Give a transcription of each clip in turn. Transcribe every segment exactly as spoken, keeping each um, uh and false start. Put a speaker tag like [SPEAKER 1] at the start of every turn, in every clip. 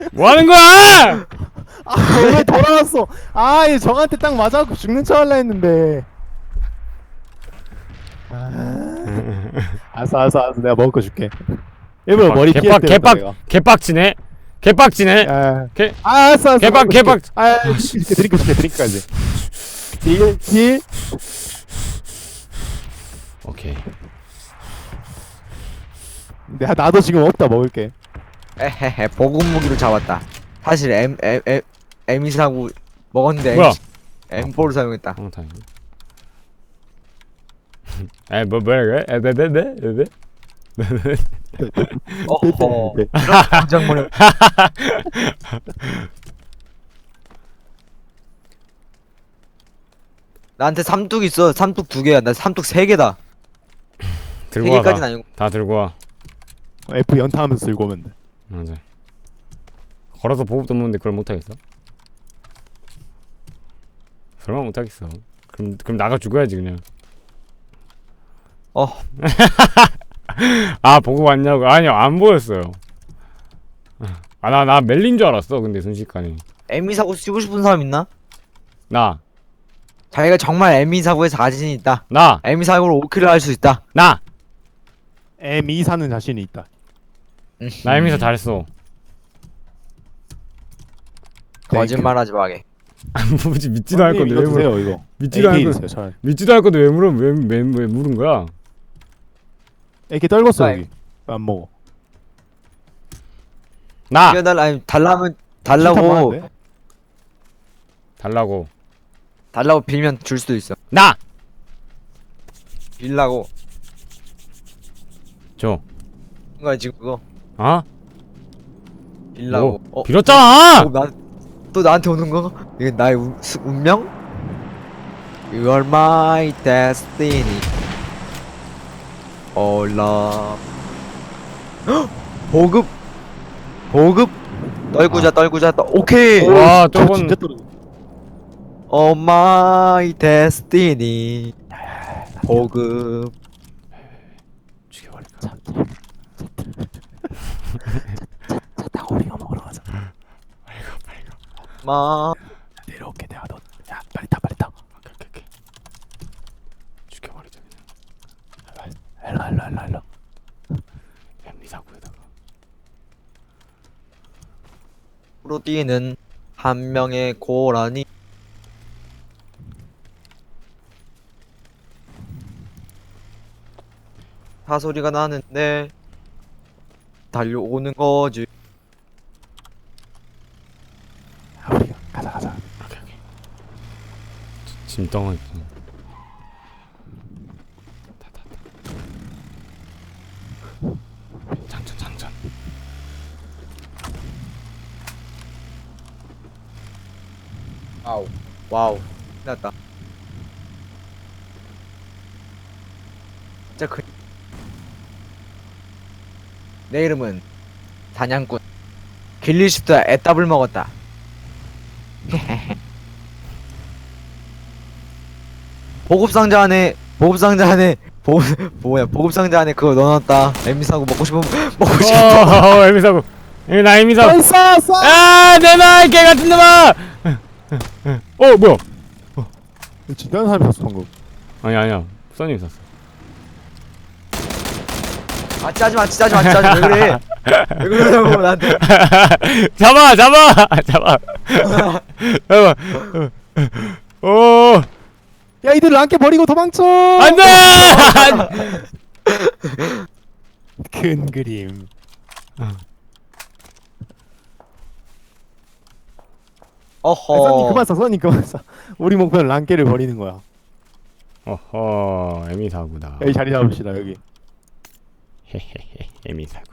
[SPEAKER 1] 뭐 하는 거야?
[SPEAKER 2] 아왜 돌아왔어? 아얘 저한테 딱 맞아갖고 죽는 척 할라 했는데. 아, 알았어 알았어 알았어 내가 먹을 거 줄게. 일부러 머리 끼어
[SPEAKER 1] 개빡
[SPEAKER 2] 때렸다
[SPEAKER 1] 개빡
[SPEAKER 2] 내가.
[SPEAKER 1] 개빡치네. 개빡치네.
[SPEAKER 2] 아,
[SPEAKER 1] 개
[SPEAKER 2] 아 알았어 알았어.
[SPEAKER 1] 개빡,
[SPEAKER 2] 먹을 거
[SPEAKER 1] 개빡.
[SPEAKER 2] 줄게. 아 이렇게 드링크 줄게 드링크까지. 딜 딜.
[SPEAKER 1] 오케이.
[SPEAKER 2] 내가 나도 지금 없다 먹을게.
[SPEAKER 3] 에헤헤 보급 무기로 잡았다. 사실 M M M M 사고 먹었는데
[SPEAKER 1] 뭐야?
[SPEAKER 3] M 사를 사용했다.
[SPEAKER 1] 어, 다행이네. 에, 뭐, 뭐야, 그래? 에, 네, 네, 네, 네, 네.
[SPEAKER 3] 어허.
[SPEAKER 2] 네.
[SPEAKER 3] 이런 장면을. 나한테 삼뚝 있어. 삼뚝 두 개야. 나 삼뚝 세 개다. 세
[SPEAKER 1] 들고 와,
[SPEAKER 3] 개까지는
[SPEAKER 1] 다.
[SPEAKER 3] 아니고.
[SPEAKER 1] 다 들고 와.
[SPEAKER 2] F 연타하면서 들고 오면 돼.
[SPEAKER 1] 맞아. 걸어서 보급도 없는데 그걸 못하겠어? 설마 못하겠어. 그럼, 그럼 나가 죽어야지, 그냥.
[SPEAKER 3] 어.
[SPEAKER 1] 아, 보급 왔냐고? 아니요, 안 보였어요. 아, 나, 나 멜린 줄 알았어, 근데 순식간에.
[SPEAKER 3] M 사고 쓰고 싶은 사람 있나?
[SPEAKER 1] 나,
[SPEAKER 3] 자기가 정말 M 사고에 자신이 있다.
[SPEAKER 1] 나,
[SPEAKER 3] M 사고로 오 킬을 할 수 있다.
[SPEAKER 1] 나!
[SPEAKER 2] M 이 사는 자신이 있다.
[SPEAKER 1] 나 에미사 잘했어.
[SPEAKER 3] 거짓말하지 마게.
[SPEAKER 1] 뭐지, 믿지도 않을 건데 왜 물어?
[SPEAKER 2] 드세요 이거.
[SPEAKER 1] 믿지도 않을
[SPEAKER 2] 에이케이
[SPEAKER 1] 건데,
[SPEAKER 2] 드세요 차라리.
[SPEAKER 1] 믿지도 않을 건데 왜 물어? 왜, 왜, 왜 물은 거야?
[SPEAKER 2] 에이케이 떨궜어
[SPEAKER 3] 아,
[SPEAKER 2] 여기. 안 먹어.
[SPEAKER 1] 나!
[SPEAKER 3] 이거 달라 아니 달라면
[SPEAKER 2] 실탄
[SPEAKER 3] 달라고
[SPEAKER 2] 많은데?
[SPEAKER 1] 달라고.
[SPEAKER 3] 달라고 빌면 줄 수도 있어.
[SPEAKER 1] 나!
[SPEAKER 3] 빌라고.
[SPEAKER 1] 줘.
[SPEAKER 3] 뭔가 지금 그거
[SPEAKER 1] 어?
[SPEAKER 3] 빌라고.
[SPEAKER 1] 뭐?
[SPEAKER 3] 어?
[SPEAKER 1] 빌었잖아!
[SPEAKER 3] 어, 나, 또 나한테 오는 거? 이게 나의 운, 수, 운명? You are my destiny. All love. 헉! 보급. 보급. 떨구자
[SPEAKER 1] 아.
[SPEAKER 3] 떨구자 떨. 오케이.
[SPEAKER 2] 오,
[SPEAKER 1] 와,
[SPEAKER 2] 저
[SPEAKER 1] 저건-
[SPEAKER 2] 진짜 떨어.
[SPEAKER 3] Oh my destiny. 보급.
[SPEAKER 2] 죽여버릴까? 차, 차, 차 타고 우리가 먹으러 가자.
[SPEAKER 3] 마.
[SPEAKER 2] 내려올게 내가 너. 야 빨리 타 빨리 타.
[SPEAKER 1] 오케이, 오케이, 오케이. 죽여버리자, 그냥.
[SPEAKER 2] 일로 일로 일로 일로.
[SPEAKER 1] 엠리 사고에다가.
[SPEAKER 3] 프로디는 한 명의 고라니. 사소리가 나는데 달려오는 거지.
[SPEAKER 2] 야 우리가 가자 가자.
[SPEAKER 1] 오케이, 오케이. 짐덩어리. 타, 타, 타. 장전, 장전.
[SPEAKER 3] 와우 와우 끝났다. 진짜 그... 내 이름은 사냥꾼 길리슈트와 애답을 먹었다. 보급상자 안에 보급상자 안에 보급 뭐야 보급상자 안에 그거 넣어놨다. 엠비 사고 먹고 싶으면 먹고 싶어.
[SPEAKER 1] 어, 엠리 사고. 에, 나 엠리 사고.
[SPEAKER 2] 빨리 쏴 쏴.
[SPEAKER 1] 아, 내놔, 개 같은 놈아! 어, 뭐야?
[SPEAKER 2] 진짜는 사람이 샀어 방금.
[SPEAKER 1] 아니, 아니야. 써님 샀어.
[SPEAKER 3] 아 짜지마 짜지마 짜지마 왜 그래? 왜 그러냐고 나한테.
[SPEAKER 1] 잡아, 잡아, 잡아. 잡아. 오,
[SPEAKER 2] 야 이들 랑깨 버리고 도망쳐.
[SPEAKER 1] 안돼!
[SPEAKER 2] 큰 그림.
[SPEAKER 3] 어허.
[SPEAKER 2] 아니, 선님 그만 쏴 선님 그만 쏴. 우리 목표는 랑깨를 버리는 거야.
[SPEAKER 1] 어허, 에미 사구다.
[SPEAKER 2] 여기 자리 잡읍시다 여기.
[SPEAKER 1] 헤헤헤, 에미 사구.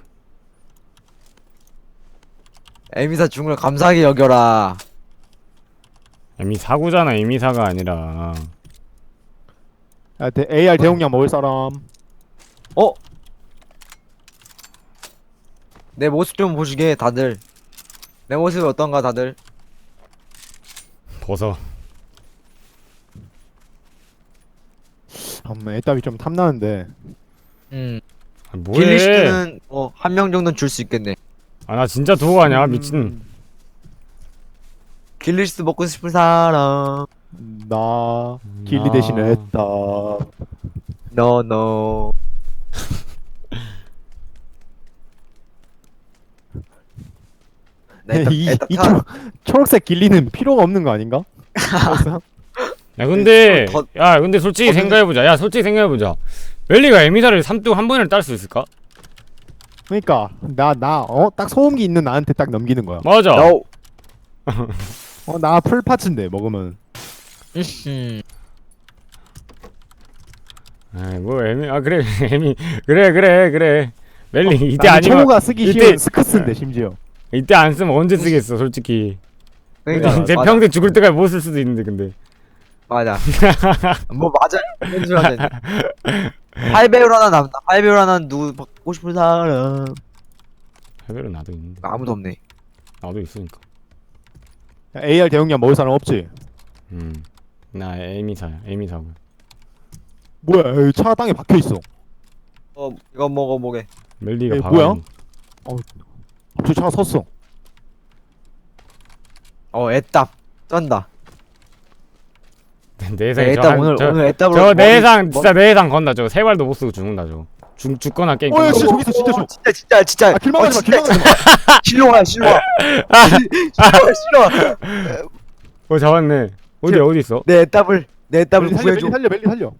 [SPEAKER 3] 에미사 죽은 걸 감사하게 여겨라.
[SPEAKER 1] 에미 사구잖아, 에미 사가 아니라.
[SPEAKER 2] 야, 대, 에이알 대용량 먹을 사람.
[SPEAKER 3] 어? 내 모습 좀 보시게 다들. 내 모습이 어떤가 다들.
[SPEAKER 1] 벗어.
[SPEAKER 2] 엄마 애답이 좀 탐나는데.
[SPEAKER 3] 음.
[SPEAKER 1] 아, 뭐해?
[SPEAKER 3] 길리슈트는 뭐 한 명 정도는 줄 수 있겠네.
[SPEAKER 1] 아 나 진짜 두고 가냐
[SPEAKER 2] 음,
[SPEAKER 1] 미친.
[SPEAKER 3] 길리스 먹고 싶은 사람.
[SPEAKER 2] 나 길리
[SPEAKER 1] 아.
[SPEAKER 2] 대신에 했다.
[SPEAKER 3] 너 너. 네,
[SPEAKER 2] 이, 이 초, 초록색 길리는 필요가 없는 거 아닌가?
[SPEAKER 1] 야 근데
[SPEAKER 3] 더-
[SPEAKER 1] 야 근데 솔직히
[SPEAKER 3] 더는-
[SPEAKER 1] 생각해보자. 야 솔직히 생각해보자. 멜리가 에미사를 삼뚝 한 번에 딸 수 있을까?
[SPEAKER 2] 그러니까 나 나 어 딱 소음기 있는 나한테 딱 넘기는 거야.
[SPEAKER 1] 맞아.
[SPEAKER 3] 너.
[SPEAKER 2] 어 나 풀파츠인데 먹으면.
[SPEAKER 3] 음.
[SPEAKER 1] 아이 뭐 에미 아 그래 에미 그래 그래 그래. 멜리 이때
[SPEAKER 2] 나는
[SPEAKER 1] 아니면
[SPEAKER 2] 초보가 쓰기
[SPEAKER 1] 이때-
[SPEAKER 2] 쉬운 스크스인데 심지어.
[SPEAKER 1] 이때 안 쓰면 언제 쓰겠어 솔직히.
[SPEAKER 3] 그러니까
[SPEAKER 1] 제
[SPEAKER 3] 맞아.
[SPEAKER 1] 평생 죽을 때까지 못 쓸 수도 있는데 근데.
[SPEAKER 3] 맞아. 뭐 맞아. 그런 줄 알았네. 팔 배율 하나 남다. 팔 배율 하나 누구 받고 싶은 사람.
[SPEAKER 1] 해별은 나도 있는데.
[SPEAKER 3] 아무도 없네.
[SPEAKER 1] 나도 있으니까.
[SPEAKER 2] 야, 에이알 대용량 먹을 사람 없지?
[SPEAKER 1] 음. 나 에미사야. 에미사고.
[SPEAKER 2] 뭐야 여기 차 땅에 박혀 있어.
[SPEAKER 3] 어 이거 먹어 보게.
[SPEAKER 1] 멜리가
[SPEAKER 2] 에이,
[SPEAKER 1] 봐.
[SPEAKER 2] 뭐야? 저 차가 섰어.
[SPEAKER 3] 어 애답 쩐다.
[SPEAKER 1] 내 예상에 저,
[SPEAKER 3] 애답
[SPEAKER 1] 한-
[SPEAKER 3] 오늘
[SPEAKER 1] 저,
[SPEAKER 3] 오늘 애답으로.
[SPEAKER 1] 저내
[SPEAKER 3] 머리-
[SPEAKER 1] 예상
[SPEAKER 3] 머리-
[SPEAKER 1] 진짜 내 예상 건다 저거 세 발도 못 쓰고 죽는다 저거. 죽 죽거나 게임.
[SPEAKER 2] 어,
[SPEAKER 1] 끝나.
[SPEAKER 2] 야, 진짜 저기 있어, 진짜 저.
[SPEAKER 3] 진짜 진짜 진짜.
[SPEAKER 2] 아 길망하지 마,
[SPEAKER 3] 진짜,
[SPEAKER 2] 길망하지 마.
[SPEAKER 3] 실로 와 실로 와. 실로 와 실로 와.
[SPEAKER 1] 어 잡았네. 어디 어디 있어?
[SPEAKER 3] 내 애답을 내 애답을
[SPEAKER 2] 멜리 살려,
[SPEAKER 3] 구해줘.
[SPEAKER 2] 멜리 살려, 멜리 살려.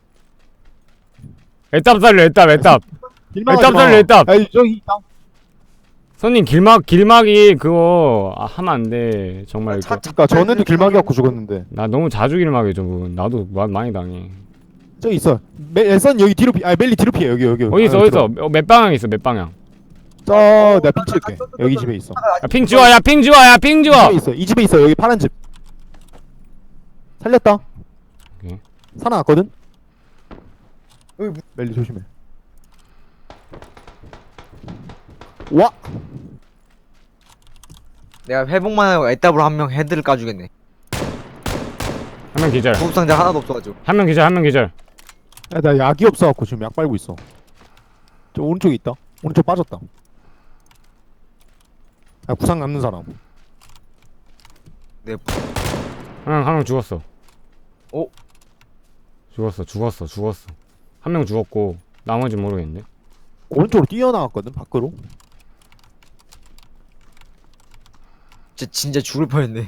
[SPEAKER 1] 애답 살려 애답 애답.
[SPEAKER 2] 길망하지
[SPEAKER 1] 애답
[SPEAKER 2] 마.
[SPEAKER 1] 살려, 애답.
[SPEAKER 2] 아니 저기 있다.
[SPEAKER 1] 손님 길막 길막이 그거 아, 하면 안 돼. 정말
[SPEAKER 3] 차-
[SPEAKER 1] 이거.
[SPEAKER 2] 그러니까 전에도 길막이 갖고 죽었는데.
[SPEAKER 1] 나 너무 자주 길막해 저거. 나도 마, 많이 당해.
[SPEAKER 2] 저기 있어. 멜, 엘선 여기 뒤로 피. 아 멜리 뒤로 피해 여기 여기.
[SPEAKER 1] 어디 있어
[SPEAKER 2] 아,
[SPEAKER 1] 어디
[SPEAKER 2] 들어와.
[SPEAKER 1] 있어? 어, 몇 방향 있어 몇 방향?
[SPEAKER 2] 저 내가 핑 찍을게. 여기 집에 있어.
[SPEAKER 1] 야, 핑 지워 야핑 지워 야핑
[SPEAKER 2] 이
[SPEAKER 1] 지워.
[SPEAKER 2] 집에 있어. 이 집에 있어. 여기 파란 집. 살렸다.
[SPEAKER 1] 오케이.
[SPEAKER 2] 살아났거든.
[SPEAKER 3] 어이,
[SPEAKER 2] 멜리 조심해. 와.
[SPEAKER 3] 내가 회복만 하고 애답으로 한 명 헤드를 까주겠네.
[SPEAKER 1] 한 명 기절.
[SPEAKER 3] 구급상자 하나도 없어가지고.
[SPEAKER 1] 한 명 기절 한 명 기절.
[SPEAKER 2] 야, 나 약이 없어갖고 지금 약 빨고 있어. 저 오른쪽에 있다. 오른쪽 빠졌다. 야 구상 남는 사람.
[SPEAKER 3] 내
[SPEAKER 1] 한명 한 명 죽었어.
[SPEAKER 3] 오.
[SPEAKER 1] 죽었어 죽었어 죽었어. 한 명 죽었고 나머지 모르겠는데.
[SPEAKER 2] 오른쪽으로 뛰어나갔거든 밖으로.
[SPEAKER 3] 진짜 진짜 죽을 뻔했네.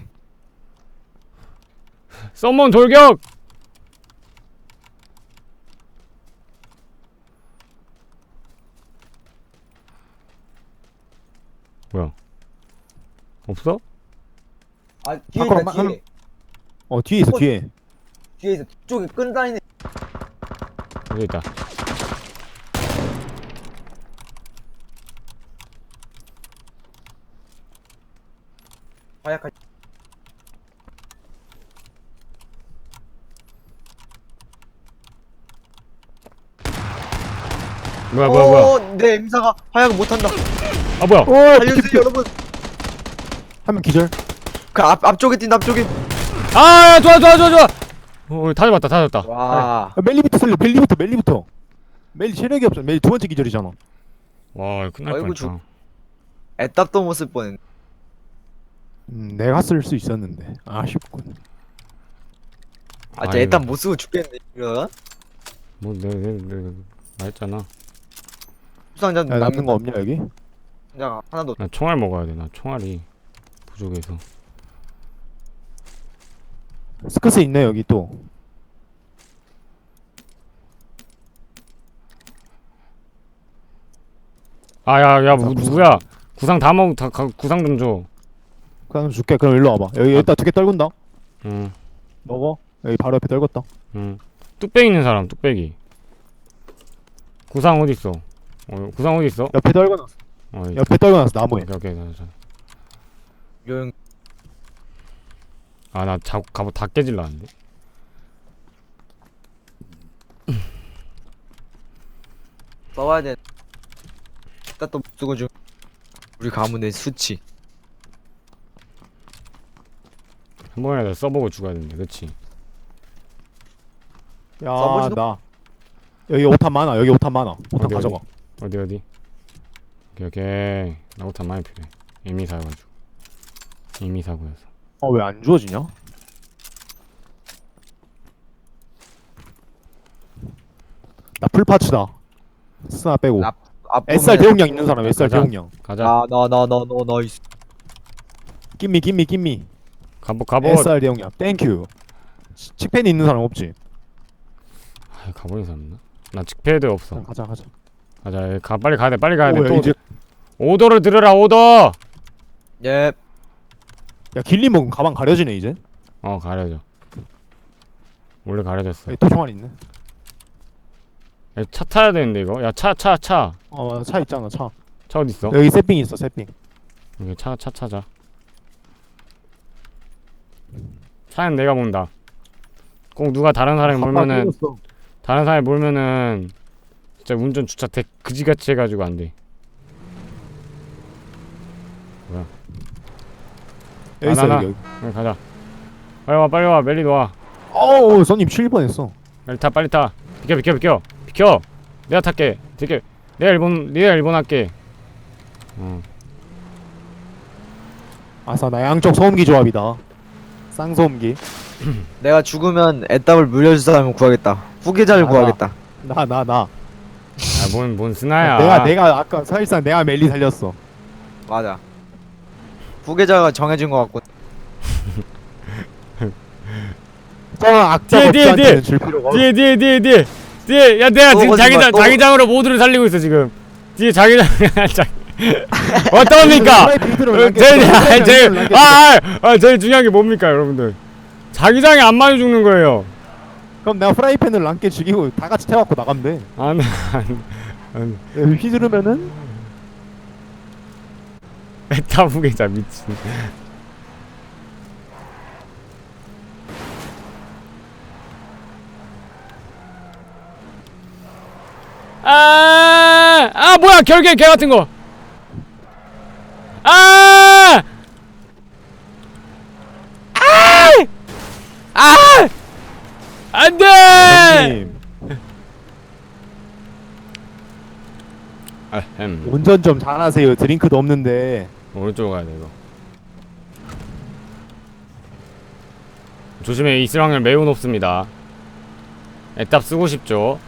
[SPEAKER 1] 썸먼 돌격. 뭐야? 없어?
[SPEAKER 3] 아 뒤에
[SPEAKER 2] 밖으로
[SPEAKER 3] 있다
[SPEAKER 2] 한-
[SPEAKER 3] 뒤에.
[SPEAKER 2] 어 뒤에 있어
[SPEAKER 3] 어.
[SPEAKER 2] 뒤에.
[SPEAKER 3] 뒤에 있어. 뒤쪽에 끈 다니네.
[SPEAKER 1] 여기 있다.
[SPEAKER 3] 화약할.
[SPEAKER 1] 뭐야 뭐야 뭐야?
[SPEAKER 3] 어, 내 임사가 화약을 못한다.
[SPEAKER 1] 아 뭐야?
[SPEAKER 2] 오
[SPEAKER 3] 알려주세요 여러분.
[SPEAKER 2] 한명 기절.
[SPEAKER 3] 그 앞 앞쪽에 뛴다 앞쪽에.
[SPEAKER 1] 아 좋아 좋아 좋아 좋아. 어, 다 잡았다 다 잡았다.
[SPEAKER 3] 와.
[SPEAKER 2] 야, 멜리부터 살려. 멜리부터 멜리부터. 멜리 체력이 없어. 멜리 두 번째 기절이잖아.
[SPEAKER 1] 와 끝날
[SPEAKER 3] 아이고,
[SPEAKER 1] 뻔했다.
[SPEAKER 3] 애답도 못 쓸 뻔했네.
[SPEAKER 2] 음 내가 쓸 수 있었는데 아쉽군.
[SPEAKER 3] 아, 진짜
[SPEAKER 1] 아이고.
[SPEAKER 3] 애답 못 쓰고 죽겠네. 이거.
[SPEAKER 1] 뭐 내가 내가 내가 말했잖아.
[SPEAKER 3] 부상자
[SPEAKER 2] 야 남는 거 없냐 여기?
[SPEAKER 3] 야 하나도.
[SPEAKER 1] 나 총알 먹어야 돼. 나 총알이 부족해서.
[SPEAKER 2] 스크스 있네 여기 또.
[SPEAKER 1] 아야야
[SPEAKER 2] 구상, 구상.
[SPEAKER 1] 누구야? 구상 다 먹, 다 가, 구상 좀 줘.
[SPEAKER 2] 그럼 줄게. 그럼 일로 와봐. 여기
[SPEAKER 1] 아.
[SPEAKER 2] 일단 두 개 떨군다.
[SPEAKER 1] 응,
[SPEAKER 2] 먹어. 여기 바로 옆에 떨궜다.
[SPEAKER 1] 응. 뚝배기 있는 사람, 뚝배기. 구상 어디 있어? 어, 구상 어디 있어?
[SPEAKER 2] 옆에 떨궈놨어.
[SPEAKER 1] 어, 이-
[SPEAKER 2] 옆에 떨궈놨어 나무에.
[SPEAKER 1] 오케이, 오케이, 나, 자.
[SPEAKER 3] 요용.
[SPEAKER 1] 아, 나 자, 갑옷 다 깨질라는데.
[SPEAKER 3] 써와야 돼. 애답도 못 쓰고 중. 우리 가문의 수치.
[SPEAKER 1] 한 번이라도 써보고 죽어야 되는데, 그치?
[SPEAKER 2] 야
[SPEAKER 3] 써보지도-
[SPEAKER 2] 나 여기 오탄 많아. 여기 오탄 많아. 오탄
[SPEAKER 1] 어디,
[SPEAKER 2] 가져가.
[SPEAKER 1] 어디, 어디? 오케이 오케이. 나부터 많이 필요해. 이미 사가지고. 이미 사고여서.
[SPEAKER 2] 어 왜 안 주워지냐? 나 풀파츠다. 스나 빼고.
[SPEAKER 3] 앞- 앞
[SPEAKER 2] 에스알
[SPEAKER 3] 보면은-
[SPEAKER 2] 대용량 있는 사람 에스알
[SPEAKER 1] 가자.
[SPEAKER 2] 대용량.
[SPEAKER 1] 가자.
[SPEAKER 3] 아, 나, 나, 나, 너, 너, 있어.
[SPEAKER 2] 김미 김미 김미.
[SPEAKER 1] 갑옷 갑옷.
[SPEAKER 2] 에스알 대용량. 땡큐. 치- 칙펜이 있는 사람 없지?
[SPEAKER 1] 아, 갑옷이 있나? 나 직패드 없어.
[SPEAKER 2] 그냥 가자 가자.
[SPEAKER 1] 가자. 가 빨리 가야 돼. 빨리 가야 돼.
[SPEAKER 2] 오, 야,
[SPEAKER 1] 또
[SPEAKER 2] 이제
[SPEAKER 1] 오더를 들으라. 오더.
[SPEAKER 3] 예.
[SPEAKER 2] 야 길리 먹으면 가방 가려지네 이제.
[SPEAKER 1] 어 가려져. 원래 가려졌어.
[SPEAKER 2] 또 총알 있네.
[SPEAKER 1] 야, 차 타야 되는데 이거. 야 차 차 차.
[SPEAKER 2] 어 차 있잖아 차.
[SPEAKER 1] 차 어디 있어?
[SPEAKER 2] 여기 세핑 있어 세핑.
[SPEAKER 1] 여기 차 차 찾아. 차는 내가 본다. 꼭 누가 다른 사람이 몰면은 다른 사람이 몰면은 진짜 운전 주차 대 그지같이 해가지고 안 돼.
[SPEAKER 2] 여기 있어
[SPEAKER 1] 나, 나,
[SPEAKER 2] 여기. 여기.
[SPEAKER 1] 빨리 가자. 빨리 와 빨리 와 멜리 와.
[SPEAKER 2] 어우 손님 칠 뻔했어.
[SPEAKER 1] 빨리 타 빨리 타. 비켜 비켜 비켜 비켜. 내가 탈게. 비켜. 내가 일본 내가 일본 할게. 어.
[SPEAKER 2] 아싸 나 양쪽 소음기 조합이다. 쌍소음기.
[SPEAKER 3] 내가 죽으면 애답을 물려줄 사람을 구하겠다. 후계자를
[SPEAKER 2] 아,
[SPEAKER 3] 구하겠다.
[SPEAKER 2] 나 나 나.
[SPEAKER 1] 아뭔뭔 스나야.
[SPEAKER 2] 내가 내가 아까 사실상 내가 멜리 살렸어.
[SPEAKER 3] 맞아. 후계자가 정해진 것 같고.
[SPEAKER 2] 저 악자
[SPEAKER 1] 뒤에, 뒤에,
[SPEAKER 2] 법사한테는 줄 필요가 없어.
[SPEAKER 1] 뒤에 뒤에 뒤에 뒤에 뒤에 야 내가
[SPEAKER 3] 또
[SPEAKER 1] 지금
[SPEAKER 3] 거짓말,
[SPEAKER 1] 자기장
[SPEAKER 3] 또
[SPEAKER 1] 자기장으로 모두를 살리고 있어 지금. 뒤에 자기장 자 어떠합니까? 제일 제일 아아 제일 중요한 게 뭡니까 여러분들? 자기장이 안 맞아 죽는 거예요.
[SPEAKER 2] 그럼 내가 프라이팬을 남게 죽이고 다 같이 태워갖고 나가면 돼.
[SPEAKER 1] 안 안.
[SPEAKER 2] 여기 휘두르면은
[SPEAKER 1] 메타 후계자 미친. 아, 아 뭐야 결계 개 같은 거. 아, 아, 아, 안돼.
[SPEAKER 2] 형님
[SPEAKER 1] 아, 햄.
[SPEAKER 2] 운전 좀 잘하세요. 드링크도 없는데.
[SPEAKER 1] 오른쪽으로 가야 돼 이거. 조심해 이슬 확률 매우 높습니다. 애답 쓰고 싶죠.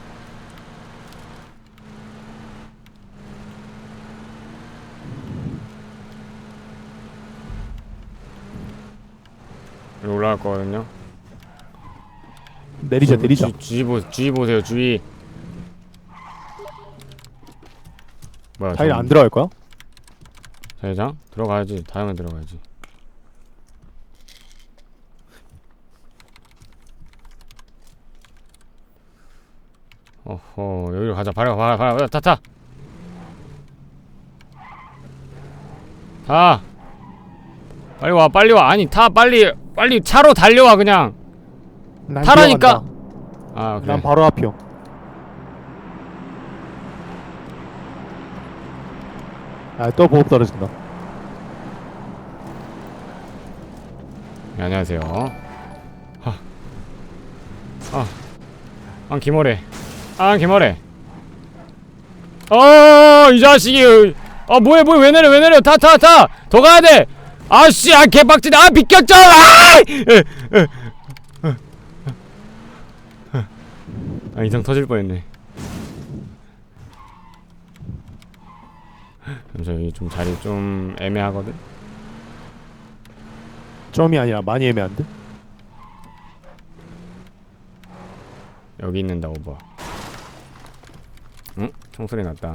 [SPEAKER 1] 여기 올라갈 거거든요.
[SPEAKER 2] 내리자 내리자.
[SPEAKER 1] 주, 주의 보 주의 보세요 주의. 뭐야?
[SPEAKER 2] 자기
[SPEAKER 1] 저거.
[SPEAKER 2] 안 들어갈 거야?
[SPEAKER 1] 자회장 들어가야지. 다음에 들어가야지. 어허 여기로 가자. 바로 가 바로 가 타 타. 타. 빨리 와 빨리 와. 아니 타 빨리 빨리 차로 달려와 그냥.
[SPEAKER 2] 난
[SPEAKER 1] 타라니까.
[SPEAKER 2] 뛰어간다.
[SPEAKER 1] 아 그래.
[SPEAKER 2] 난 바로 앞이요. 아또 보급 떨어진다.
[SPEAKER 1] 네, 안녕하세요. 하. 아. 아 김어래. 아 김어래. 어, 이 자식이. 아 뭐해 뭐해 왜 내려 왜 내려 타 타 타. 더 가야 돼. 아씨 아 개빡치네. 아 비켰잖아. 아! 아 이상 터질 뻔했네. 저기 좀 자리 좀 애매하거든.
[SPEAKER 2] 점이 아니라 많이 애매한데?
[SPEAKER 1] 여기 있는다 오버. 응? 총소리 났다.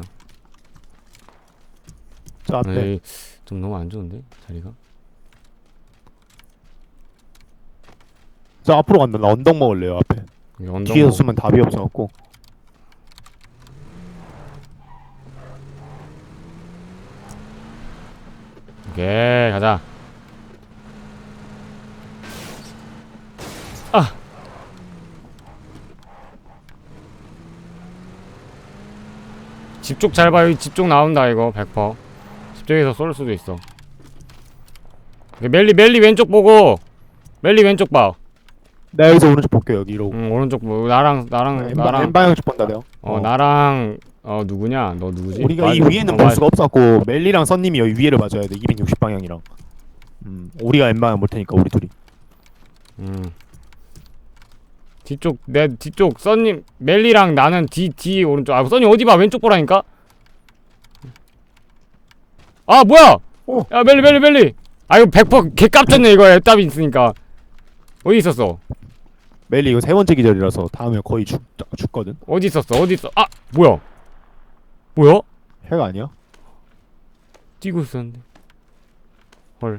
[SPEAKER 2] 저 앞에.
[SPEAKER 1] 에이, 좀 너무 안 좋은데 자리가.
[SPEAKER 2] 저 앞으로 간다. 나 언덕 먹을래요 앞에.
[SPEAKER 1] 여기 언덕
[SPEAKER 2] 뒤에서
[SPEAKER 1] 먹-
[SPEAKER 2] 쓰면 답이 없어갖고.
[SPEAKER 1] 오케이 가자. 아 집쪽 잘 봐. 여기 집쪽 나온다 이거 백 퍼센트. 집쪽에서 쏠 수도 있어. 오케이, 멜리 멜리 왼쪽 보고. 멜리 왼쪽 봐.
[SPEAKER 2] 내가 여기서 오른쪽 볼게 여기 이러고.
[SPEAKER 1] 응 오른쪽 보고. 나랑 나랑
[SPEAKER 2] 엠바,
[SPEAKER 1] 나랑
[SPEAKER 2] 엠방향 쪽 본다 내가.
[SPEAKER 1] 어 나랑 어 누구냐? 너 누구지?
[SPEAKER 2] 우리가
[SPEAKER 1] 맞-
[SPEAKER 2] 이 위에는
[SPEAKER 1] 어,
[SPEAKER 2] 볼
[SPEAKER 1] 맞-
[SPEAKER 2] 수가 없었고 멜리랑 선님이 여기 위에를 맞아야 돼. 이백육십 방향이랑. 음, 우리가 엠마야 못 테니까 우리 둘이.
[SPEAKER 1] 음. 뒤쪽 내 뒤쪽 써님 멜리랑 나는 뒤 뒤 오른쪽. 아 써님 어디 봐 왼쪽 보라니까. 아 뭐야?
[SPEAKER 2] 어.
[SPEAKER 1] 야 멜리 멜리 멜리. 아 이거 백 퍼센트 개 깜짝네 이거 애답이 있으니까. 어디 있었어?
[SPEAKER 2] 멜리 이거 세 번째 기절이라서 다음에 거의 죽 죽거든.
[SPEAKER 1] 어디 있었어? 어디 있어? 아 뭐야? 뭐야?
[SPEAKER 2] 해가 아니야?
[SPEAKER 1] 뛰고 있었는데. 헐.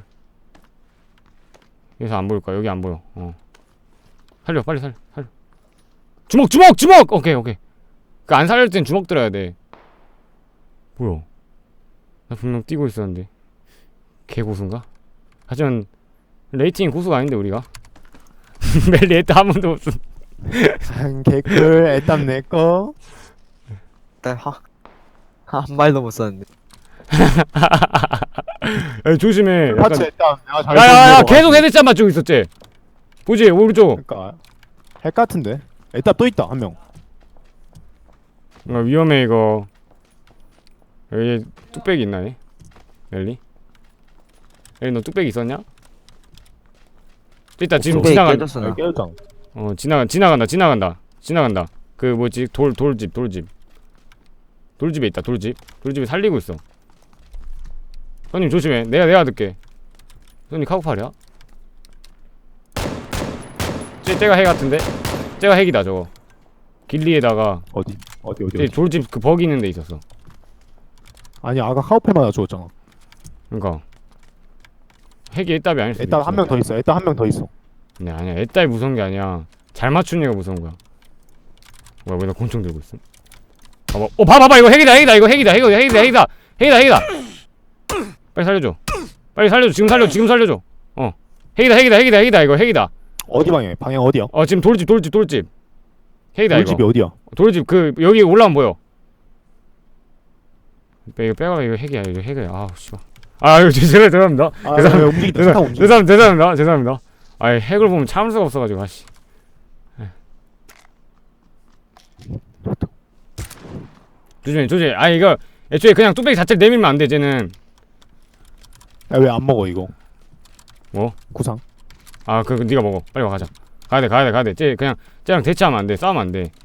[SPEAKER 1] 여기서 안 보일까? 여기 안 보여. 어. 살려 빨리 살려 살려. 주먹 주먹 주먹. 오케이 오케이. 그 안 살릴 땐 주먹 들어야 돼. 뭐야? 나 분명 뛰고 있었는데. 개 고수인가? 하지만 레이팅 고수가 아닌데 우리가. 멜리 애따 한 번도 없음.
[SPEAKER 2] 한 개꿀 애땀 내꺼.
[SPEAKER 3] 일단 하, 한 발도 못 썼는데.
[SPEAKER 1] 야, 조심해. 약간...
[SPEAKER 2] 파츠 애땀 내가 잘.
[SPEAKER 1] 야야야
[SPEAKER 2] 보는 거
[SPEAKER 1] 계속
[SPEAKER 2] 같아.
[SPEAKER 1] 헤드샷 맞추고 있었지. 보지 오른쪽.
[SPEAKER 2] 그러니까 핵 같은데. 애땀 또 있다 한 명.
[SPEAKER 1] 어, 위험해 이거. 여기 뚝배기 있나 얘? 멜리? 멜리 너 뚝배기 있었냐? 또 있다 지금
[SPEAKER 3] 뚝배기
[SPEAKER 1] 지나간.
[SPEAKER 3] 깨졌어, 나.
[SPEAKER 2] 깨졌잖아.
[SPEAKER 1] 어 지나간 지나간다 지나간다 지나간다. 그 뭐지 돌 돌집 돌집. 돌집에 있다 돌집. 돌집에 살리고 있어. 손님 조심해. 내가 내가 듣게. 손님 카고팔이야? 쟤 쟤가 핵 같은데? 쟤가 핵이다 저거. 길리에다가
[SPEAKER 2] 어디 어디 어디.
[SPEAKER 1] 쟤
[SPEAKER 2] 어디.
[SPEAKER 1] 돌집 그 버기 있는 데 있었어.
[SPEAKER 2] 아니 아까 카우팔 맞아 죽었잖아.
[SPEAKER 1] 그러니까 핵이 애답이 아닐 수도
[SPEAKER 2] 애땀
[SPEAKER 1] 있지.
[SPEAKER 2] 한 명 더 있어. 애땀 한 명 더 있어.
[SPEAKER 1] 아니 아니야 애딸 무서운 게 아니야. 잘 맞추는 애가 무서운 거야. 뭐야 왜 나 권총 들고 있음? 봐봐 어 봐봐봐 이거 핵이다 핵이다 이거 핵이다 이거 핵이다 핵이다 핵이다 핵이다. 빨리 살려줘. 빨리 살려줘 지금 살려 지금 살려줘. 어 핵이다 핵이다 핵이다 핵이다 이거 핵이다.
[SPEAKER 2] 어디 방향? 방향 어디야?
[SPEAKER 1] 어 지금 돌집 돌집 돌집. 핵이다
[SPEAKER 2] 돌집이
[SPEAKER 1] 이거.
[SPEAKER 2] 어디야?
[SPEAKER 1] 돌집 그 여기 올라오면 보여. 빼 이거 빼가 이거 핵이야 이거 핵이야. 아우 씨발. 아 이거 죄송해요 죄송합니다.
[SPEAKER 2] 아,
[SPEAKER 1] 죄송합니다.
[SPEAKER 2] 왜 움직인다. 차
[SPEAKER 1] 죄송
[SPEAKER 2] 움직여.
[SPEAKER 1] 죄송합니다 죄송합니다 죄송합니다. 아이 핵을 보면 참을 수가 없어가지고 아씨. 조심해 조심해. 아 이거 애초에 그냥 뚝배기 자체를 내밀면 안 돼 쟤는.
[SPEAKER 2] 왜 안 먹어 이거?
[SPEAKER 1] 뭐?
[SPEAKER 2] 구상.
[SPEAKER 1] 아 그 네가 먹어. 빨리 와 가자. 가야 돼 가야 돼 가야 돼. 쟤 그냥 쟤랑 대치하면 안 돼. 싸우면 안 돼.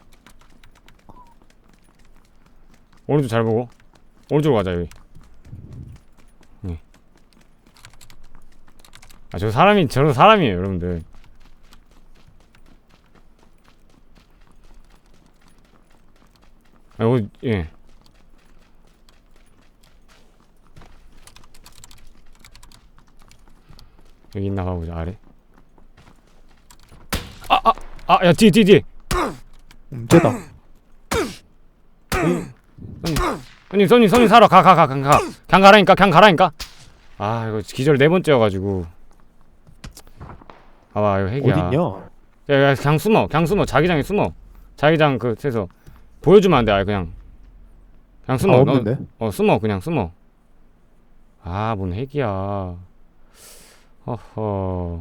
[SPEAKER 1] 오른쪽 잘 보고. 오른쪽으로 가자 여기. 네. 아 저 사람이 저런 사람이에요 여러분들. 아 이거 예. 여기 있나 봐보자 아래. 아아아야 뒤에 뒤에 뒤에.
[SPEAKER 2] 음, 쟤다.
[SPEAKER 1] 손님 손님 손님 사러 가 가 가 가 가 그냥 가라니까 그냥 가라니까. 아 이거 기절 네 번째여가지고. 봐봐 이거 핵이야.
[SPEAKER 2] 어딨냐?
[SPEAKER 1] 야야 그냥 숨어 그냥 숨어 자기장에 숨어. 자기장 그 에서 보여주면 안 돼. 아예 그냥 그냥 숨어.
[SPEAKER 2] 아,
[SPEAKER 1] 너-
[SPEAKER 2] 없는데?
[SPEAKER 1] 어 숨어 그냥 숨어. 아 뭔 핵이야. 허허.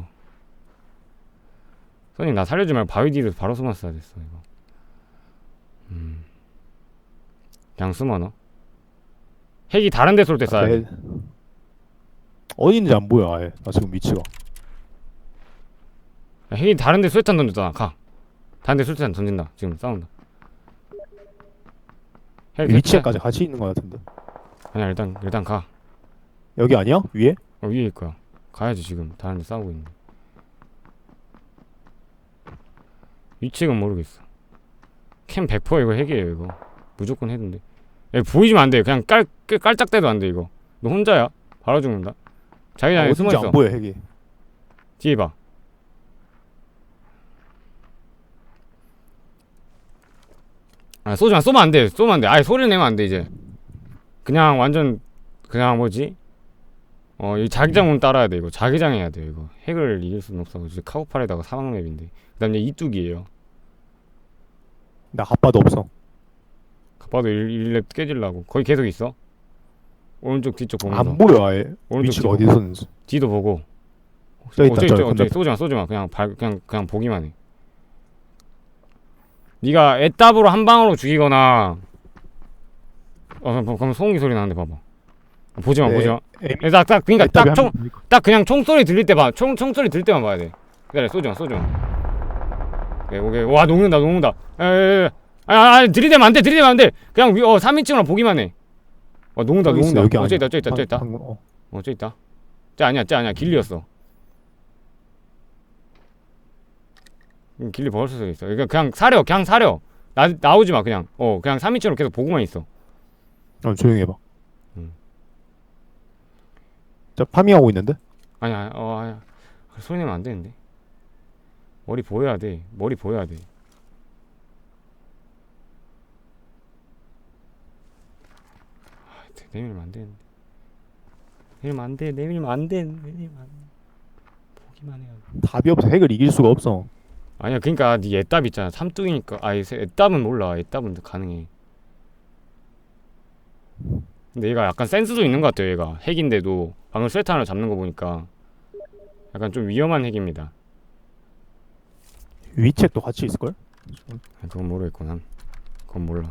[SPEAKER 1] 손님 나 살려주지 말고 바위 뒤로 바로 숨었어야 됐어 이거. 음. 그냥 숨어 너. 핵이 다른 데 쏠 때 쏴야 돼.
[SPEAKER 2] 네. 어디 있는지 안 보여 아예. 나 지금 위치가.
[SPEAKER 1] 야, 핵이 다른 데 수류탄 던졌잖아. 가. 다른 데 수류탄 던진다. 지금 싸운다. 핵
[SPEAKER 2] 위치까지 같이 있는 거 같은데.
[SPEAKER 1] 아니야 일단 일단 가.
[SPEAKER 2] 여기 아니야? 위에?
[SPEAKER 1] 어 위에 있고요. 가야지 지금 다른 데 싸우고 있는데. 위치는 모르겠어. 캠 백 퍼센트 이거 핵이에요 이거. 무조건 핵인데. 야, 보이지면 안 돼. 그냥 깔 깔- 깔짝대도 안 돼 이거. 너 혼자야? 바로 죽는다. 자기장에
[SPEAKER 2] 아,
[SPEAKER 1] 숨어
[SPEAKER 2] 어딘지
[SPEAKER 1] 있어.
[SPEAKER 2] 안 보여 핵이.
[SPEAKER 1] 뒤에 봐. 아 쏘지마. 쏘면 안 돼. 쏘면 안 돼. 아예 소리 내면 안 돼 이제. 그냥 완전 그냥 뭐지? 어 이 자기장문 따라야 돼 이거. 자기장 해야 돼 이거. 핵을 이길 수는 없어. 이제 카고팔에다가 사막맵인데. 그다음에 이뚝이에요.
[SPEAKER 2] 나 핫바도 없어.
[SPEAKER 1] 가봐도 일 렙 깨질라고. 거기 계속 있어. 오른쪽 뒤쪽 보면서.
[SPEAKER 2] 안 보여 아예.
[SPEAKER 1] 오른쪽
[SPEAKER 2] 위치가
[SPEAKER 1] 뒤
[SPEAKER 2] 어디
[SPEAKER 1] 보고.
[SPEAKER 2] 있었는지.
[SPEAKER 1] 뒤도 보고.
[SPEAKER 2] 저 있다,
[SPEAKER 1] 어, 저기
[SPEAKER 2] 저
[SPEAKER 1] 저기
[SPEAKER 2] 건너편.
[SPEAKER 1] 저기 쏘지마 쏘지마. 그냥 발 그냥 그냥 보기만 해. 네가 애답으로 한 방으로 죽이거나 어 뭐, 그럼 소음기 소리 나는데 봐봐. 보지마
[SPEAKER 2] 네.
[SPEAKER 1] 보지마.
[SPEAKER 2] 에미
[SPEAKER 1] 딱 딱 그니까
[SPEAKER 2] 에따비
[SPEAKER 1] 딱총
[SPEAKER 2] 한번 보니까.
[SPEAKER 1] 딱 그냥 총소리 들릴 때 봐. 총 총소리 들릴 때만 봐야 돼. 기다려 쏘지마 쏘지마. 오케이 오케이. 와 녹는다 녹는다. 에에에. 아, 아 들이대면 안돼 들이대면 안돼. 그냥 위, 어 삼 인칭으로 보기만 해. 와 녹는다
[SPEAKER 2] 여기 있어,
[SPEAKER 1] 녹는다.
[SPEAKER 2] 여기
[SPEAKER 1] 어, 저
[SPEAKER 2] 아니야.
[SPEAKER 1] 있다 저 있다 저 있다.
[SPEAKER 2] 방금, 어.
[SPEAKER 1] 어 저 있다. 쟤 아니야 쟤 아니야 길리였어. 음, 길리 벌써 서 있어. 그러니까 그냥 사려 그냥 사려. 나 나오지 마 그냥. 어 그냥 삼 인칭으로 계속 보고만 있어.
[SPEAKER 2] 어, 조용히 해봐.
[SPEAKER 1] 음.
[SPEAKER 2] 자, 파밍하고 있는데?
[SPEAKER 1] 아니야 어 아니야. 소리 내면 안 되는데. 머리 보여야 돼. 머리 보여야 돼. 아, 내밀면 안 되는데. 내밀면 안 돼. 내밀면 안 돼. 내밀면 안 돼. 보기만 해야 돼.
[SPEAKER 2] 답이 없어. 핵을 이길 수가 없어.
[SPEAKER 1] 아니야 그니까 네 애답 있잖아. 삼뚱이니까. 아니 애답은 몰라. 애답은 가능해. 근데 얘가 약간 센스도 있는 것 같아요. 얘가 핵인데도 방금 스웨터 하나 잡는 거 보니까 약간 좀 위험한 핵입니다.
[SPEAKER 2] 위책도 같이 있을걸?
[SPEAKER 1] 아, 그건 모르겠고 난 그건 몰라.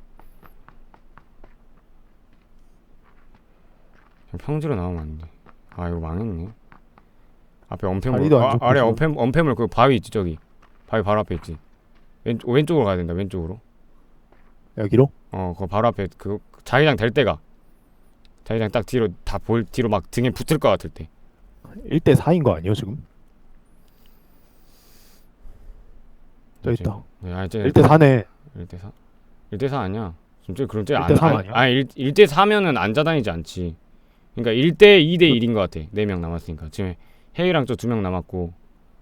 [SPEAKER 1] 그냥 평지로 나오면 안 돼. 아 이거 망했네. 앞에 엄폐물.
[SPEAKER 2] 다리도 안
[SPEAKER 1] 아,
[SPEAKER 2] 좋고
[SPEAKER 1] 아래
[SPEAKER 2] 지금.
[SPEAKER 1] 엄폐 엄폐물 그 바위 있지 저기. 바위 바로 앞에 있지. 왼쪽 왼쪽으로 가야 된다. 왼쪽으로.
[SPEAKER 2] 여기로?
[SPEAKER 1] 어, 그 바로 앞에 그 자기장 될 때가. 자기장 딱 뒤로 다 볼 뒤로 막 등에 붙을 것 같을 때.
[SPEAKER 2] 일 대 사인 거 아니에요 지금? 저 있다.
[SPEAKER 1] 네, 아니,
[SPEAKER 2] 일 대 사네.
[SPEAKER 1] 일 대 사? 일 대 사 아니야. 진짜 그런 때
[SPEAKER 2] 일
[SPEAKER 1] 안,
[SPEAKER 2] 대 삼
[SPEAKER 1] 안,
[SPEAKER 2] 아니야?
[SPEAKER 1] 아니 일 대 사면은 앉아 다니지 않지. 그러니까 일 대 이 대 일인 것 같아. 네 명 남았으니까. 지금 해이랑 저 두 명 남았고.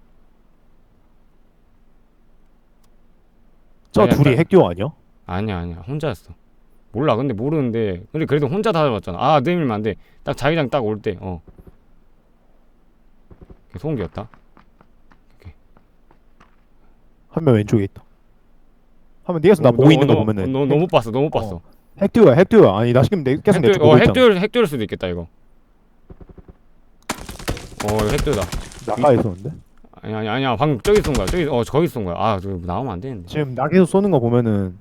[SPEAKER 2] 저
[SPEAKER 1] 아니야,
[SPEAKER 2] 둘이
[SPEAKER 1] 딱-
[SPEAKER 2] 핵듀오 아니야?
[SPEAKER 1] 아니야 아니야 혼자였어. 몰라 근데 모르는데 근데 그래도 혼자 다 잡았잖아. 아 내밀면 안 돼. 딱 자기장 딱 올 때 어. 소음기였다.
[SPEAKER 2] 한 명 왼쪽에 있다. 한명 네가서 나 보고 있는 거 보면은
[SPEAKER 1] 너 너무 봤어 너무 봤어.
[SPEAKER 2] 어. 핵듀오야 핵듀오야. 아니 나 지금 내, 계속 내 쪽 보고
[SPEAKER 1] 어
[SPEAKER 2] 있잖아.
[SPEAKER 1] 핵돌 핵돌일 수도 있겠다 이거. 어 이거 핵돌다.
[SPEAKER 2] 나가 있었는데?
[SPEAKER 1] 아니 아니 아니야 방금 저기 쏜 거야. 저기 어 저기 쏜 거야. 아 저기 나오면 안 되는데.
[SPEAKER 2] 지금 낙에서 쏘는 거 보면은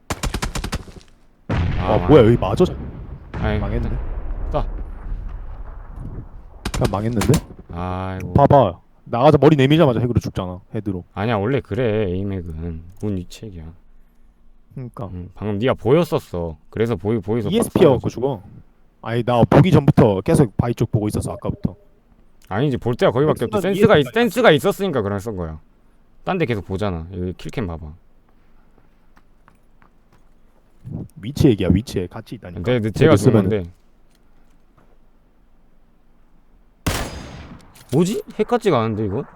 [SPEAKER 1] 아,
[SPEAKER 2] 아,
[SPEAKER 1] 망-
[SPEAKER 2] 뭐야 여기 맞아?
[SPEAKER 1] 아이,
[SPEAKER 2] 망했네.
[SPEAKER 1] 쏴.
[SPEAKER 2] 그냥 망했는데?
[SPEAKER 1] 아이고.
[SPEAKER 2] 봐봐. 나가자 머리 내밀자마자 핵으로 죽잖아. 헤드로.
[SPEAKER 1] 아니야 원래 그래 에임핵은 운 위책이야.
[SPEAKER 2] 그러니까
[SPEAKER 1] 응, 방금 네가 보였었어. 그래서 보이 보이서.
[SPEAKER 2] 이에스피여갖고 죽어. 아니 나 보기 전부터 계속 바위 쪽 보고 있었어 아까부터.
[SPEAKER 1] 아니지 볼 때가 거기밖에 없지.
[SPEAKER 2] 순간
[SPEAKER 1] 센스가 있,
[SPEAKER 2] 이해가
[SPEAKER 1] 센스가 있었으니까 그런 쓴 거야. 딴 데 계속 보잖아. 여기 킬캠 봐봐.
[SPEAKER 2] 위치 얘기야 위치에 같이 있다니까.
[SPEAKER 1] 내, 내 제가 쏜
[SPEAKER 2] 쓰면은-
[SPEAKER 1] 건데. 뭐지? 핵 같지가 않은데 이거?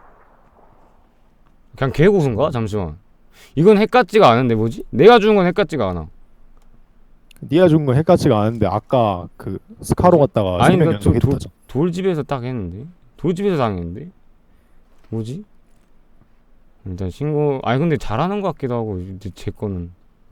[SPEAKER 1] 그냥 개고수인가? 잠시만. 이건 핵 같지가 않은데 뭐지? 내가 죽은 건 핵 같지가 않아.
[SPEAKER 2] 네가 죽은 건 핵 같지가 않은데 아까 그 스카로 갔다가
[SPEAKER 1] 아니,
[SPEAKER 2] 세명
[SPEAKER 1] 나 저-
[SPEAKER 2] 연속
[SPEAKER 1] 도-
[SPEAKER 2] 했다죠.
[SPEAKER 1] 돌집에서 딱 했는데? 돌집에서 당했는데? 뭐지? 일단 신고. 아니 근데 잘하는 것 같기도 하고 이제 제 거는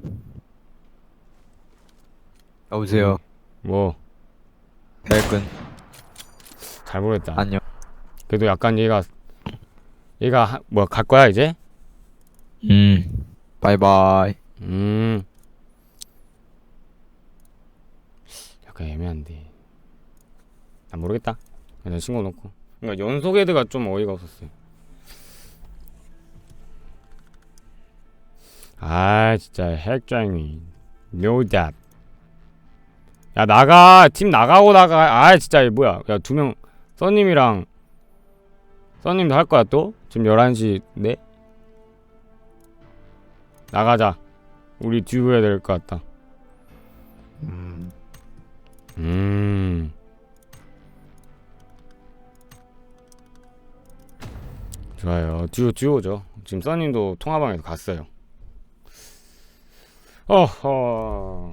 [SPEAKER 3] 여보세요.
[SPEAKER 1] 뭐
[SPEAKER 3] 대근.
[SPEAKER 1] 잘 모르겠다.
[SPEAKER 3] 안녕.
[SPEAKER 1] 그래도 약간 얘가 얘가 하, 뭐야 갈 거야 이제?
[SPEAKER 3] 음. 바이바이.
[SPEAKER 1] 음 약간 애매한데. 난 모르겠다. 그냥 신고 놓고. 그러니까 연속 헤드가 좀 어이가 없었어요. 아 진짜 핵장이 노답. 야 나가 팀 나가고 나가. 아 진짜 뭐야. 야 두 명 써님이랑 써님도 할 거야 또? 지금 열한 시 네? 나가자. 우리 듀오 해야 될 것 같다.
[SPEAKER 2] 음.
[SPEAKER 1] 음. 좋아요. 듀오 듀오죠. 지금 써님도 통화방에서 갔어요. 어허.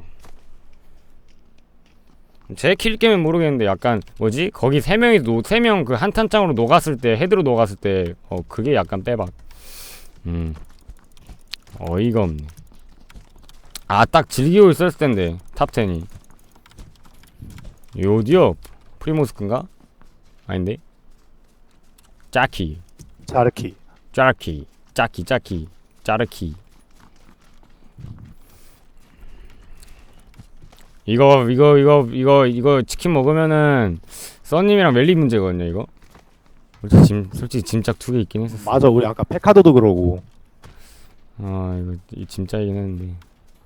[SPEAKER 1] 제 킬게임은 모르겠는데 약간 뭐지? 거기 세 명이 노세 명 그 한 탄창으로 녹았을 때 헤드로 녹았을 때 어 그게 약간 빼박. 음. 어이가 없네. 아 딱 즐기고 있었을 텐데 탑텐이. 요디오 프리모스크인가? 아닌데? 짜키
[SPEAKER 2] 자르키.
[SPEAKER 1] 짜르키 짜키 짜키 짜르키. 이거 이거 이거 이거 이거 치킨 먹으면은 써님이랑 멜리 문제거든요 이거. 솔직히 짐 솔직히 짐짝 두 개 있긴 했었어.
[SPEAKER 2] 맞아, 우리 아까 페카도도 그러고.
[SPEAKER 1] 아 이거 이 짐짝이긴 했는데.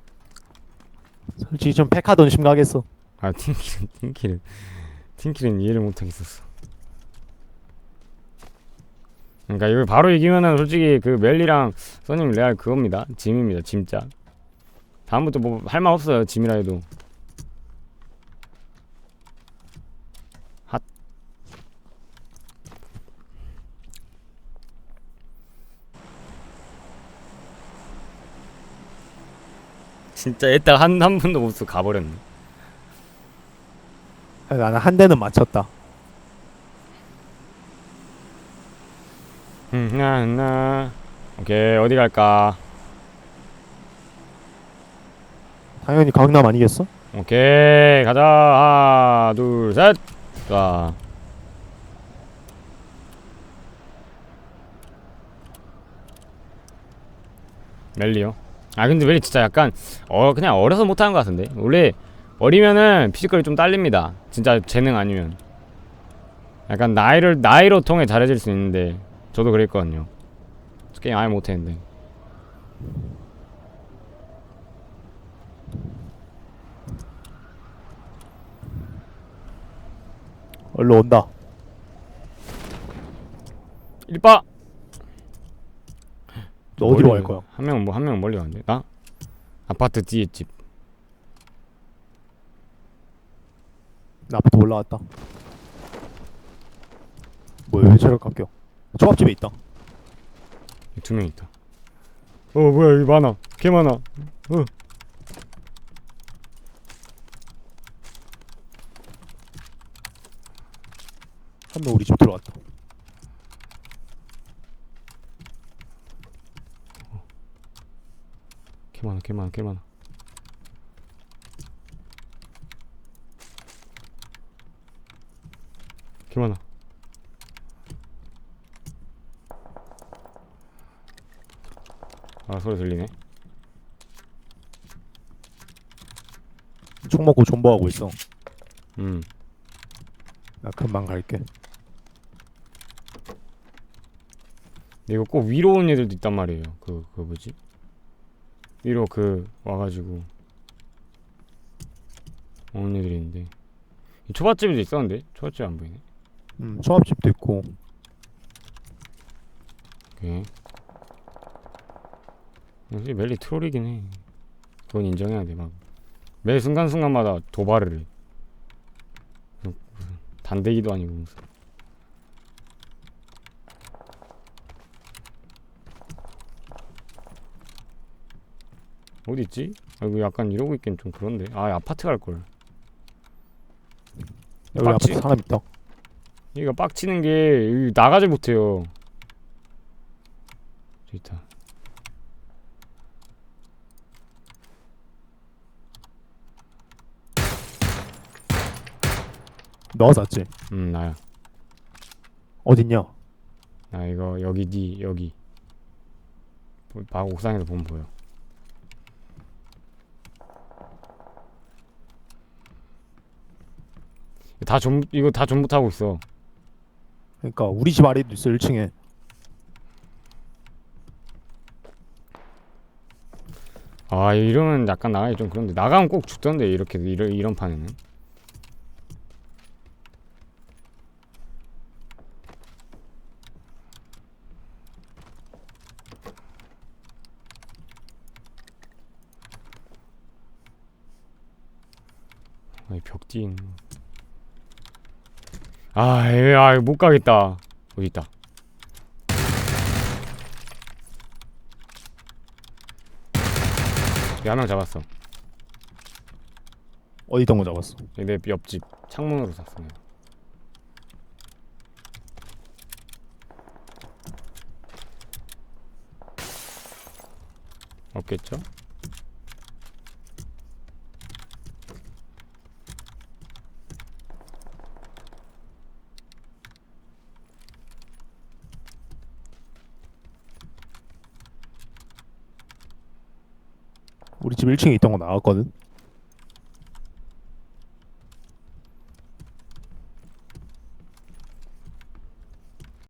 [SPEAKER 2] 솔직히 좀 페카도는 심각했어.
[SPEAKER 1] 아 팀킬은 팀킬은 팀킬은 이해를 못하겠었어. 그러니까 이걸 바로 이기면은 솔직히 그 멜리랑 써님 레알 그겁니다. 짐입니다. 짐짝. 다음부터 뭐 할 말 없어요. 짐이라 해도. 핫. 진짜 애딱 한, 한 분도 못 쓰고 가버렸네.
[SPEAKER 2] 나는 한 대는 맞췄다.
[SPEAKER 1] 음, 나, 나. 오케이, 어디 갈까?
[SPEAKER 2] 당연히 강남 아니겠어?
[SPEAKER 1] 오케이, 가자. 하나, 둘, 셋. 자. 멜리요? 아, 근데 멜리 진짜 약간, 어, 그냥 어려서 못하는 것 같은데? 원래, 어리면은 피지컬이 좀 딸립니다. 진짜 재능 아니면. 약간 나이를, 나이로 통해 잘해질 수 있는데, 저도 그랬거든요. 게임 아예 못했는데.
[SPEAKER 2] 얼른 온다.
[SPEAKER 1] 일빠!
[SPEAKER 2] 너 어디로 갈 거야?
[SPEAKER 1] 한 명은 뭐, 한 명은 멀리 가는데? 나? 아파트 뒤에 집.
[SPEAKER 2] 나 아파트 올라왔다. 뭐야, 왜 저렇게 깎여? 초밥집에 있다.
[SPEAKER 1] 두 명 있다. 어, 뭐야, 여기 많아. 개 많아. 어.
[SPEAKER 2] 한 명 우리 집 들어왔다.
[SPEAKER 1] 개 많아, 개 많아, 개 많아. 개 많아. 아, 소리 들리네.
[SPEAKER 2] 총 먹고 존버하고 있어.
[SPEAKER 1] 음.
[SPEAKER 2] 나 금방 갈게.
[SPEAKER 1] 근데 이거 꼭 위로 온 애들도 있단 말이에요. 그, 그 뭐지? 위로 그, 와가지고. 오는 애들이 있는데. 이 초밥집에도 있었는데? 초밥집 안 보이네.
[SPEAKER 2] 음, 초밥집도 있고.
[SPEAKER 1] 오케이. 역시 멜리 트롤이긴 해. 그건 인정해야 돼. 막 매 순간순간마다 도발을 해. 무슨 단대기도 아니고 무슨. 어디 있지? 아 이거 약간 이러고 있긴 좀 그런데. 아 아파트 갈 걸.
[SPEAKER 2] 여기
[SPEAKER 1] 빡치-
[SPEAKER 2] 아파트 사람 있다.
[SPEAKER 1] 얘가 빡치는 게 여기 나가지 못해요. 저기 있다.
[SPEAKER 2] 너가 샀지?
[SPEAKER 1] 음 나야.
[SPEAKER 2] 어딨냐?
[SPEAKER 1] 나 이거 여기 니 여기. 보- 바 옥상에서 보면 보여. 다 전 이거 다 전부 타고 있어.
[SPEAKER 2] 그러니까 우리 집 아래도 있어, 일 층에.
[SPEAKER 1] 아 이러면 약간 나가기 좀 그런데 나가면 꼭 죽던데 이렇게 이런 이런 판에는. 아이 벽 뒤에 있는. 아, 에, 아, 못 가겠다. 어디 있다. 여기 한 명 잡았어.
[SPEAKER 2] 어디 있던 거 잡았어?
[SPEAKER 1] 내 옆집 창문으로 쐈어. 내가. 없겠죠?
[SPEAKER 2] 우리 집 일 층에 있던 거 나왔거든?